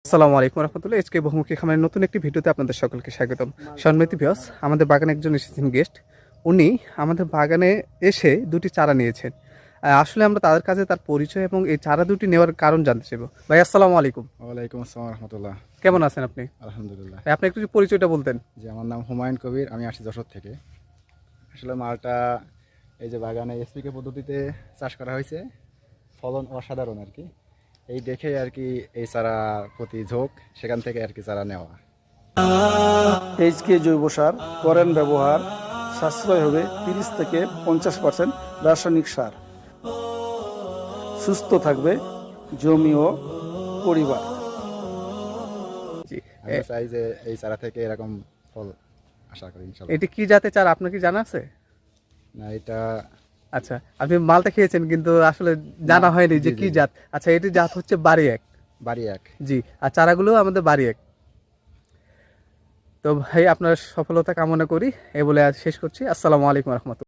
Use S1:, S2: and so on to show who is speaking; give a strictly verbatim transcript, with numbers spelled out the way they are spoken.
S1: আসসালামু আলাইকুম রহমতুল্লাহ। এসকে বহুমুখী খামারের নতুন একটি ভিডিওতে আপনাদের সকলকে স্বাগতম। সম্মানিত ভিউয়ার্স, আমাদের বাগানে একজন এসেছেন গেস্ট। উনি আমাদের বাগানে এসে দুটি চারা নিয়েছেন। আহ, আসলে আমরা তাদের কাছে তার পরিচয় এবং এই চারা দুটি নেওয়ার কারণ জানতে চাইব। ভাই আসসালামু আলাইকুম।
S2: ওয়ালাইকুম আসসালাম রহমতুল্লাহ।
S1: কেমন আছেন আপনি?
S2: আলহামদুলিল্লাহ।
S1: ভাই, আপনি একটু যদি পরিচয়টা বলতেন।
S2: যে আমার নাম হুমায়ুন কবির, আমি আসছি যশোর থেকে। আসলে মালটা এই যে বাগানে এসপিকে পদ্ধতিতে চাষ করা হয়েছে, ফলন অসাধারণ আর কি। এই দেখে আর কি এই চারা প্রতি ঝোঁক, সেখান থেকে আর কি চারা নেওয়া।
S3: এইচকে জৈব সার করেন ব্যবহার, সাশ্রয় হবে তিরিশ থেকে পঞ্চাশ পার্সেন্ট রাসায়নিক সার। সুস্থ থাকবে জমি ও পরিবার।
S1: জি।
S2: আমি চাই যে এই চারা থেকে এরকম ফল আশা করি ইনশাল্লাহ।
S1: এটি কি জাতের চারা আপনার কি জানা আছে?
S2: না, এটা
S1: আচ্ছা, আপনি মালটা খেয়েছেন কিন্তু আসলে জানা হয়নি যে
S2: জি,
S1: কি
S2: জি, জি।
S1: জাত। আচ্ছা, এটি জাত হচ্ছে বাড়ি এক।
S2: বাড়ি এক।
S1: জি, আর চারাগুলো আমাদের বাড়ি এক। তো ভাই, আপনার সফলতা কামনা করি এই বলে আজ শেষ করছি। আসসালামু আলাইকুম রহমতুল্লাহ।